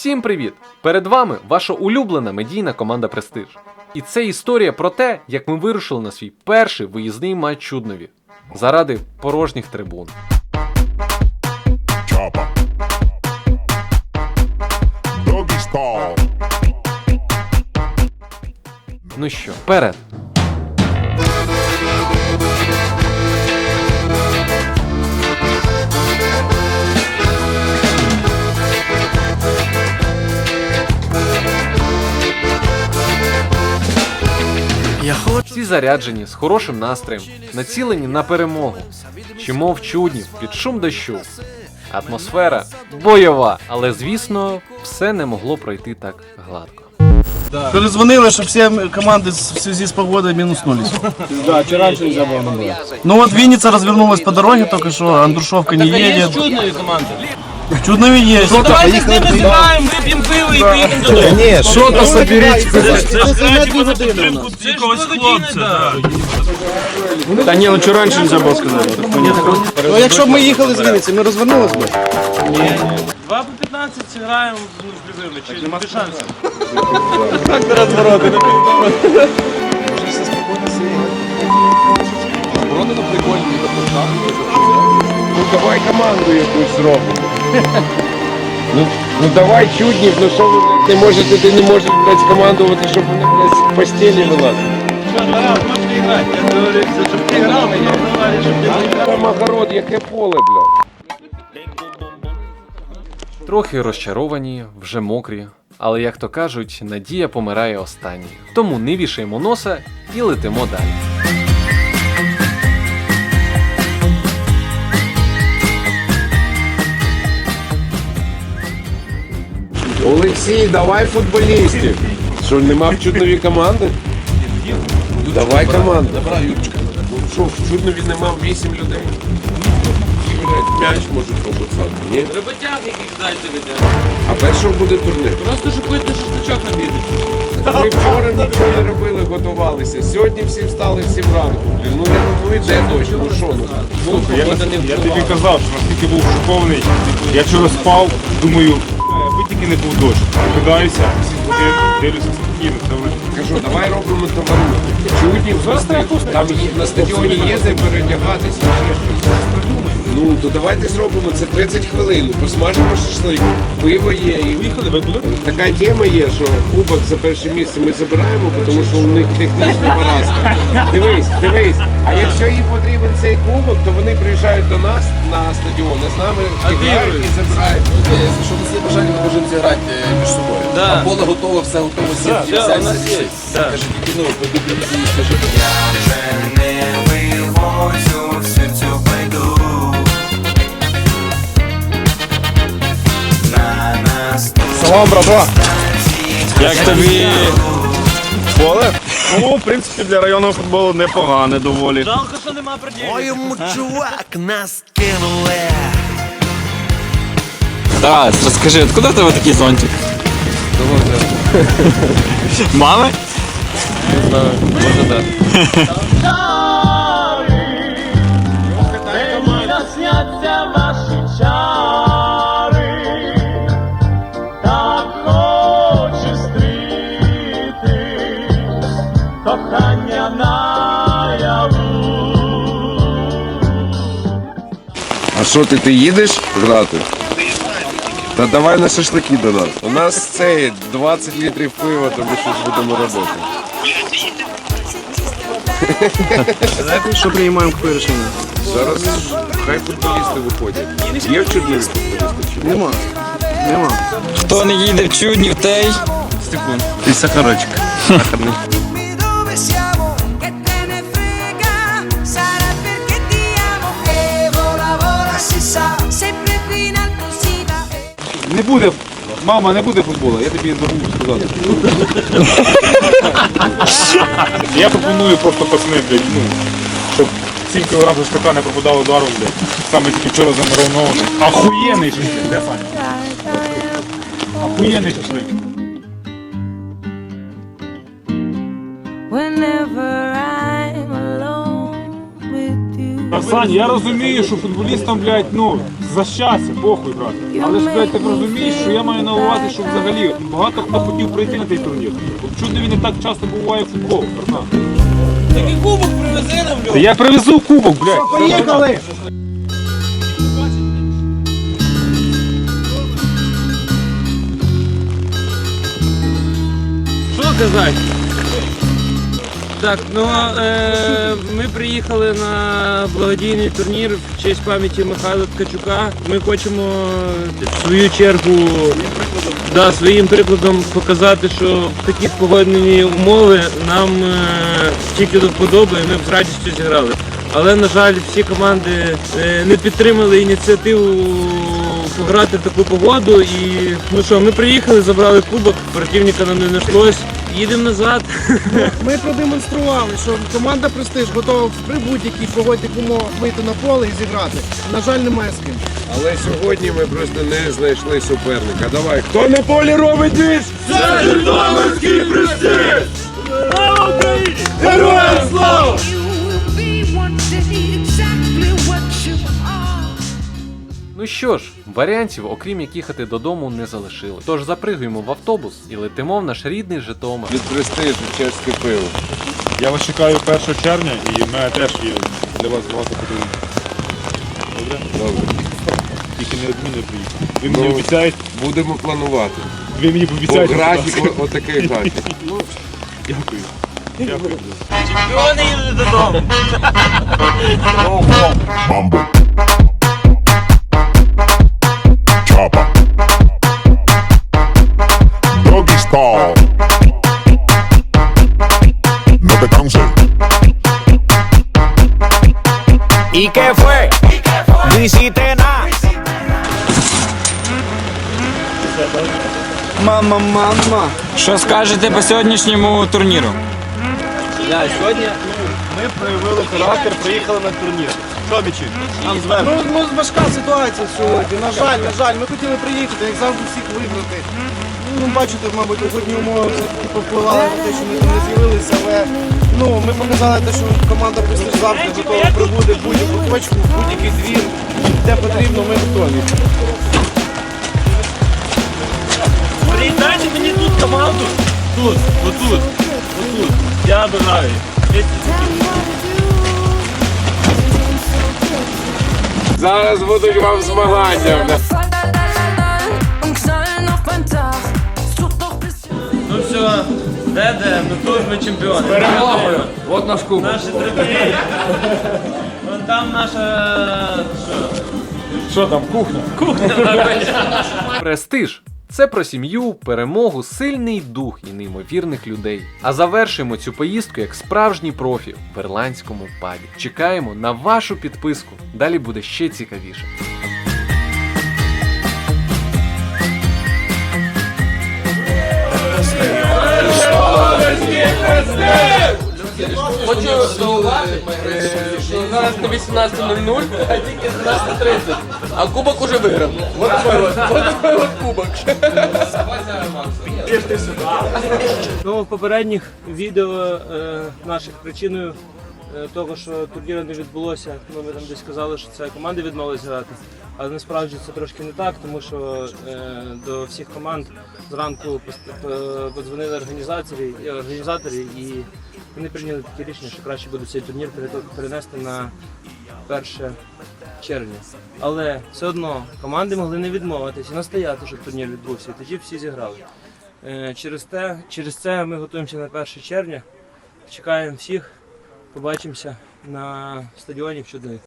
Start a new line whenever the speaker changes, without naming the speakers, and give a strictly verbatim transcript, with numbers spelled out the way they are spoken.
Всім привіт! Перед вами ваша улюблена медійна команда Престиж. І це історія про те, як ми вирушили на свій перший виїзний матч Чуднові заради порожніх трибун. Ну що, вперед! Всі заряджені, з хорошим настроєм, націлені на перемогу. Чимо в Чудні під шум дощу. Атмосфера бойова, але звісно, все не могло пройти так гладко.
Перезвонили, что все команды в связи с погодой минуснулись.
Да, чи раніше нельзя было набрать.
Ну вот Винница развернулась по дороге только что, Андрушовка не едет.
Чудные команды.
В Чуднове есть.
Ну давайте з ними зіграємо, вип'ємо пиво і поїдемо додому.
Ні, що-то соберіть.
Якогось хлопця.
Та ні, ну чого раніше нельзя було сказати?
Ну якщо б ми їхали з Вінниці, ми розвернулись би.
Два по п'ятнадцять зіграємо з Львівни, чи нема шансів.
Ну давай команду якусь зробимо. Ну, ну давай Чуднів, ну що ви блядь, не можете, ти не можеш блядь, командувати, щоб вони блядь, з постелі вилазили.
Що, Тарас, можете грати? Я говорю, щоб ти грав, я говорю, щоб ти грав.
Там огород, яке поле, блядь.
Трохи розчаровані, вже мокрі, але, як то кажуть, надія помирає останньою. Тому не вішаємо носа і летимо далі.
Олексій, давай футболістів. Що, нема в Чуднові команди? Давай команду. Добра, Юрчика. Ну що, в Чуднові нема вісім людей. Блядь, м'яч можуть побуцати, ні?
Роботяг яких дайте веде.
А першого буде турнір.
Просто щоб пити шашличок набити.
Ми вчора нічого не робили, готувалися. Сьогодні всі встали в сім ранку. Ну, не, ну йде дощ, ну що ну?
Слухай, я, я тобі казав, що наскільки був шокований. Я вчора спав, думаю, аби тільки не був дощ. Прокидаюся, всі будинки, дивлюся спокійно.
Кажу, давай робимо товару. Чудні, там є- на стадіоні є де передягатися. ще щось. Ну, то давайте зробимо це тридцять хвилин. Посмажимо шашлик, пиво є. І... Така тема є, що кубок за перше місце ми забираємо, тому що у них технічна поразка. Дивись, дивись. А якщо їм потрібен цей кубок, то вони приїжджають до нас на стадіон, а з нами грають і забирають.
Якщо у нас є бажання, ми можемо зіграти е, між собою.
Да.
А поле готово, все готово, всі
Да,
всі-
у нас
всі-
є.
всі-
Да.
Кажи, тільки, ну, подивіться, скажи.
Салам, братва! Як тобі поле? Ну, в принципі, для районного футболу непогане доволі.
Жалко, що нема проділів.
Тарас, розкажи, откуда в тебе такий зонтик? Мами?
Не знаю, може так.
Сняться ваші чари, так хочу стріти, кохання наяву.
А що ти, ти їдеш грати? Та давай на шашлики до нас. У нас це двадцять літрів пива, то ми щось будемо робити.
Що приймаємо яке рішення?
Зараз хай футболісти виходять. Є в Чуднові футболісти чи ні?
Нема. Нема.
Хто не їде в Чуднів, той?
Степан. Ти сахарочок.
Dove siamo, che te ne frega, sarà perché ti amo che vola vola si sa, sempre più in alto si va.
Не буде, мама, не буде футболу, я тобі забув сказати. Я пропоную просто пацани, блядь, ну, щоб сім кілограм шашлика не пропадало даром, блядь. Саме тільки вчора замаринований. Ахуєнний шашлик, де Саня? Ахуєнний шашлик.
Whenever I'm alone with you.
Та, Сань, я розумію, що футболістам, блядь, ну, за щастя, похуй, брат. Але ж, блядь, ти розумієш, що я маю на увазі, що взагалі багато хто хотів прийти на цей турнір. От чудо він не так часто буває в футбол, братан.
Такий кубок привези нам,
Та я привезу кубок, блядь.
Поїхали!
Що казати? Так, ну е, ми приїхали на благодійний турнір в честь пам'яті Михайла Ткачука. Ми хочемо в свою чергу да, своїм прикладом показати, що в такі погодні умови нам е, тільки до вподоби, і ми б з радістю зіграли. Але, на жаль, всі команди е, не підтримали ініціативу пограти в таку погоду. І ну що, ми приїхали, забрали кубок, противника нам не знайшлось. Їдемо назад.
Ми продемонстрували, що команда «Престиж» готова при будь-якій погодних умовах вийти на поле і зіграти. На жаль, немає з ким.
Але сьогодні ми просто не знайшли суперника. Давай, хто на полі робить двіж? Це Житомирський Престиж! Слава Україні! Героям слава!
You will be one day exactly what you are.
Ну що ж, варіантів, окрім як їхати додому, не залишили. Тож запригуємо в автобус і летимо в наш рідний Житомир.
Від Престижу чеське пиво.
Я вас чекаю першого червня і в мене теж є для вас багато подарунків. Добре?
Добре.
Тільки не відмінно приїхати. Ви
Ну,
мені обіцяєте?
Будемо планувати.
Ви мені
По
пообіцяєте? будь
графіку,
ласка?
отакий графік.
Дякую. Дякую.
Чемпіони їдуть додому.
Mambo. Chopper. Doggy style. No te canses.
¿Y qué fue? No hiciste nada.
Мама, мама.
Що скажете по сьогоднішньому турніру?
Сьогодні
Ми проявили характер, приїхали на турнір. Що, Мічі? Нам зверху. Ну, ну, важка ситуація сьогодні. На жаль, на жаль, ми хотіли приїхати, як завжди всіх виграти. Ну, бачите, мабуть, погодні умови повпливали на те, що ми там не з'явилися, але ну, ми показали те, що команда «Престиж» завжди готова прибути в будь-яку точку, в будь-який двір, де потрібно, ми готові.
приєднайте мені тут команду. Тут, отут, отут. Я обираю.
Зараз будуть вам змагання.
Ну все, де де, ну тут ми чемпіони. Перемогою.
От наш кубок.
Наші трибуни. Вон там наша...
Що там, кухня?
Престиж це про сім'ю, перемогу, сильний дух і неймовірних людей. А завершуємо цю поїздку як справжній профі в ірландському пабі. Чекаємо на вашу підписку. Далі буде ще цікавіше.
Хочу зауважити, що зараз не вісімнадцята нуль нуль, а тільки дванадцята тридцять. А кубок уже виграв. Вот такой вот, вот такой вот кубок.
Ну, в попередніх відео е, наших причиною е, того, що турніру не відбулося, ну, ми там десь казали, що це команди відмовились грати. Але насправді це трошки не так, тому що е, до всіх команд зранку пост- е, подзвонили організаторі, і організаторі і вони прийняли таке рішення, що краще буде цей турнір пере- перенести на перше червня. Але все одно команди могли не відмовитися і настояти, щоб турнір відбувся, і тоді всі зіграли. Е, Через те, через це ми готуємося на перше червня. Чекаємо всіх. Побачимося на стадіоні в Чудові.